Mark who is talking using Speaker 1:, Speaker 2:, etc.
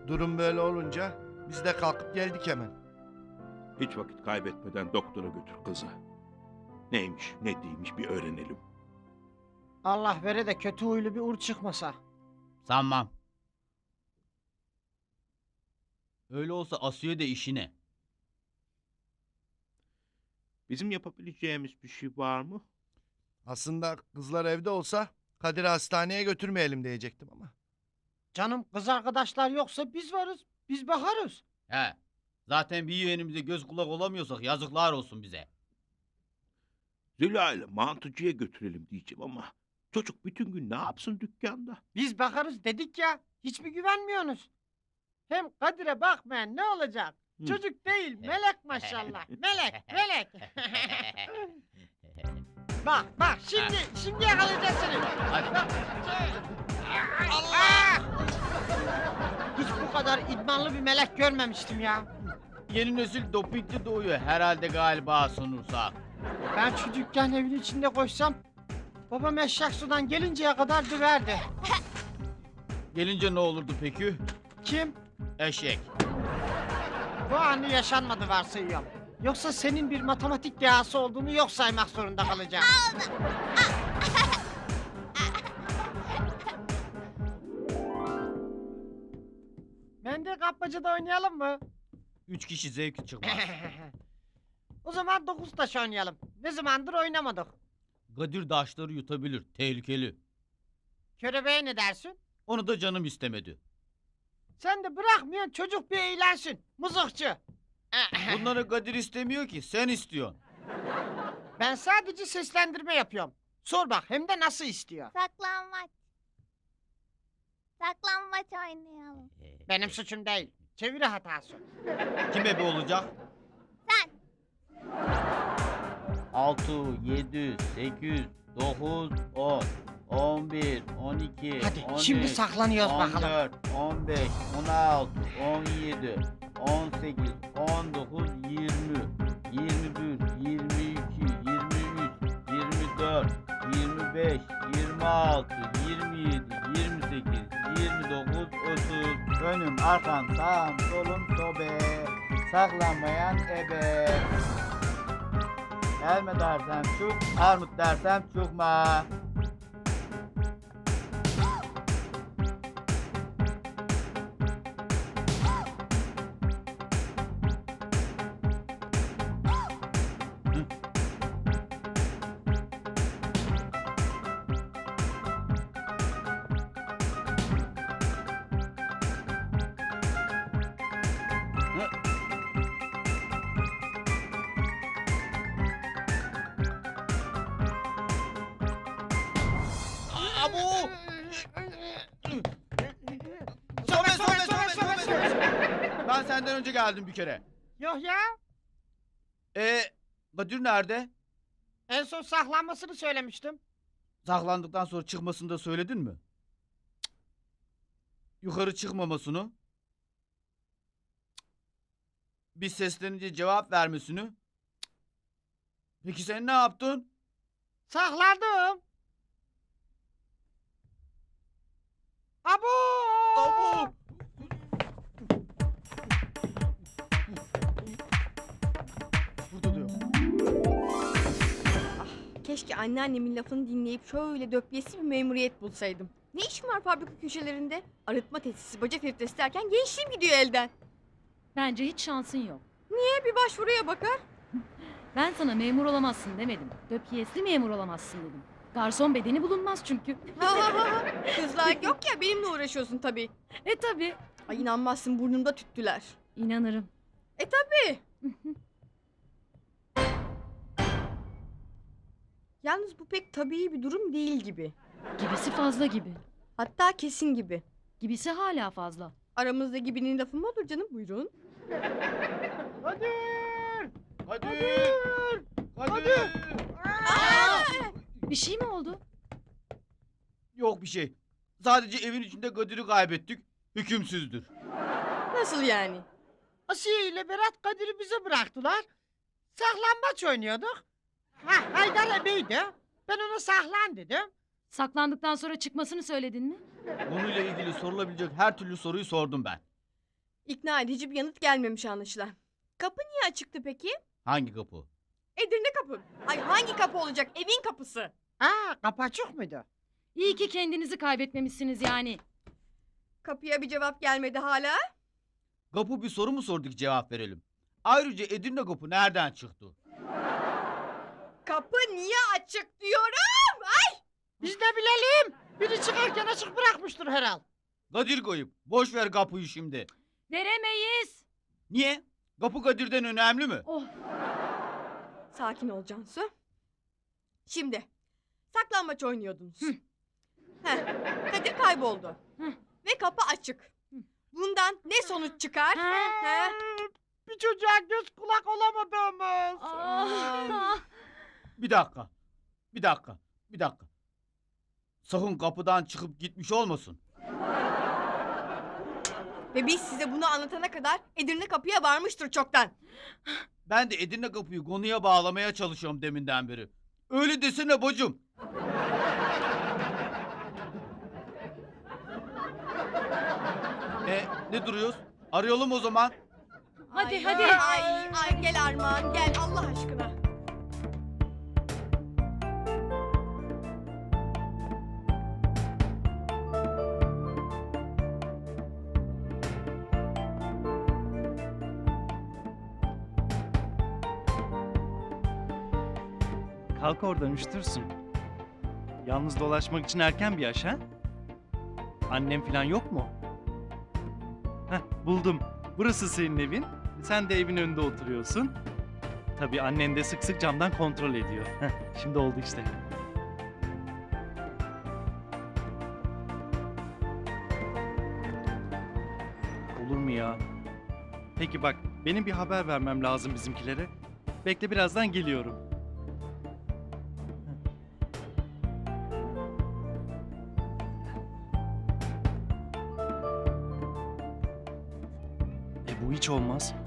Speaker 1: Durum böyle olunca biz de kalkıp geldik hemen.
Speaker 2: Hiç vakit kaybetmeden doktora götür kızı. Neymiş, ne değilmiş bir öğrenelim.
Speaker 3: Allah vere de kötü huylu bir ur çıkmasa.
Speaker 4: Sanmam. Öyle olsa Asiye de işine.
Speaker 2: Bizim yapabileceğimiz bir şey var mı?
Speaker 1: Aslında kızlar evde olsa Kadir'i hastaneye götürmeyelim diyecektim ama.
Speaker 3: Canım kız arkadaşlar yoksa biz varız. Biz bakarız.
Speaker 4: He. Zaten bir yeğenimize göz kulak olamıyorsak yazıklar olsun bize.
Speaker 2: Züla ile mantıcıya götürelim diyeceğim ama çocuk bütün gün ne yapsın dükkanda?
Speaker 3: Biz bakarız dedik ya. Hiç mi güvenmiyorsunuz? Hem Kadir'e bakmayan ne olacak?
Speaker 2: Hı.
Speaker 3: Çocuk değil, melek maşallah. Melek, melek. Bak, şimdi yakalayacağız seni.
Speaker 4: Hadi.
Speaker 3: Bak. Allah! Hiç bu kadar idmanlı bir melek görmemiştim ya.
Speaker 4: Yeni nesil dopingli doğuyor herhalde galiba sunursak.
Speaker 3: Ben şu dükkan evin içinde koşsam, babam eşek sudan gelinceye kadar döverdi.
Speaker 4: Gelince ne olurdu peki?
Speaker 3: Kim?
Speaker 4: Eşek.
Speaker 3: Bu anı yaşanmadı varsayıyorum. Yoksa senin bir matematik dehası olduğunu yok saymak zorunda kalacağım. Mendil kapmacada oynayalım mı?
Speaker 4: 3 kişi zevki çıkmaz.
Speaker 3: O zaman 9 taş oynayalım. Ne zamandır oynamadık.
Speaker 4: Kadir daşları yutabilir. Tehlikeli.
Speaker 3: Körebeğe ne dersin?
Speaker 4: Onu da canım istemedi.
Speaker 3: Sen de bırakmıyorsun çocuk bir eğlensin. Mızıkçı.
Speaker 4: Bunları Kadir istemiyor ki. Sen istiyorsun.
Speaker 3: Ben sadece seslendirme yapıyorum. Sor bak hem de nasıl istiyor.
Speaker 5: Saklanmaç. Saklanmaç oynayalım.
Speaker 3: Benim suçum değil. Çeviri hatası.
Speaker 4: Kim ebe olacak?
Speaker 5: Sen.
Speaker 4: 6, 7, 8, 9, 10, 11, 12,
Speaker 3: Hadi
Speaker 4: 13,
Speaker 3: şimdi saklanıyoruz bakalım.
Speaker 4: 14, 15, 16, 17, 18, 19, 20, 21, 22, 23, 24, 25, 26, 27, 28, 29, 30. Önüm, arkam, sağım, solum, sobe. Saklanmayan ebe. Gelme dersem çık, armut dersem çıkma. Abu! Sobe! Ben senden önce geldim bir kere.
Speaker 3: Yok ya.
Speaker 4: Kadir nerede?
Speaker 3: En son saklanmasını söylemiştim.
Speaker 4: Saklandıktan sonra çıkmasını da söyledin mi? Cık. Yukarı çıkmamasını? Cık. Biz seslenince cevap vermesini? Cık. Peki sen ne yaptın?
Speaker 3: Sakladım. Abo!
Speaker 4: Abu! Burada diyor.
Speaker 6: Keşke anneannemin lafını dinleyip şöyle döpyesi bir memuriyet bulsaydım. Ne işim var fabrika köşelerinde? Arıtma tesisi, baca filtresi derken gençliğim gidiyor elden.
Speaker 7: Bence hiç şansın yok.
Speaker 6: Bir başvuruya bakar.
Speaker 7: Ben sana memur olamazsın demedim. Döpiyesli memur olamazsın dedim. Garson bedeni bulunmaz çünkü.
Speaker 6: Kızlar yok ya benimle uğraşıyorsun tabii.
Speaker 7: Tabi.
Speaker 6: Ay inanmazsın burnumda tüttüler.
Speaker 7: İnanırım.
Speaker 6: Tabii. Yalnız bu pek tabii bir durum değil gibi.
Speaker 7: Gibisi fazla gibi.
Speaker 6: Hatta kesin gibi.
Speaker 7: Gibisi hala fazla.
Speaker 6: Aramızda gibinin lafı mı olur canım buyurun.
Speaker 3: Kadir!
Speaker 4: Kadir! Kadir!
Speaker 7: Bir şey mi oldu?
Speaker 4: Yok bir şey. Sadece evin içinde Kadir'i kaybettik. Hükümsüzdür.
Speaker 6: Nasıl yani?
Speaker 3: Asiye ile Berat Kadir'i bize bıraktılar. Saklambaç oynuyorduk. Haydar ebeydi. Ben ona saklan dedim.
Speaker 7: Saklandıktan sonra çıkmasını söyledin mi?
Speaker 4: Bununla ilgili sorulabilecek her türlü soruyu sordum ben.
Speaker 6: İkna edici bir yanıt gelmemiş anlaşılan. Kapı niye açıktı peki?
Speaker 4: Hangi kapı?
Speaker 6: Edirne kapı. Ay hangi kapı olacak? Evin kapısı.
Speaker 3: Aa, kapı açık mıydı?
Speaker 7: İyi ki kendinizi kaybetmemişsiniz yani.
Speaker 6: Kapıya bir cevap gelmedi hala.
Speaker 4: Kapı bir soru mu sordu ki cevap verelim? Ayrıca Edirne kapı nereden çıktı?
Speaker 6: Kapı niye açık diyorum.
Speaker 3: Biz ne bilelim? Biri çıkarken açık bırakmıştır herhal.
Speaker 4: Kadir koyup. Boş ver kapıyı şimdi.
Speaker 7: Veremeyiz.
Speaker 4: Niye? Kapı Kadir'den önemli mi?
Speaker 7: Oh.
Speaker 6: Sakin ol Cansu. Şimdi saklambaç oynuyordunuz. Heh, Kadir kayboldu. Ve kapı açık. Bundan ne sonuç çıkar? He?
Speaker 3: Bir çocuğa göz kulak olamadığımız.
Speaker 7: Ah.
Speaker 4: Bir dakika. Bir dakika. Bir dakika. Sakın kapıdan çıkıp gitmiş olmasın.
Speaker 6: Ve biz size bunu anlatana kadar Edirne kapıya varmıştır çoktan.
Speaker 4: Ben de Edirne kapıyı konuya bağlamaya çalışıyorum deminden beri. Öyle desene bacım. Ne duruyoruz? Arayalım o zaman.
Speaker 7: Hadi,
Speaker 6: Ay,
Speaker 7: hadi.
Speaker 6: Ay gel Armağan gel Allah aşkına.
Speaker 8: Kalk oradan üşütürsün. Yalnız dolaşmak için erken bir yaş ha? Annem falan yok mu? Heh, buldum. Burası senin evin. Sen de evin önünde oturuyorsun. Tabii annen de sık sık camdan kontrol ediyor. Heh, şimdi oldu işte. Olur mu ya? Peki bak, benim bir haber vermem lazım bizimkilere. Bekle, birazdan geliyorum. Bu hiç olmaz.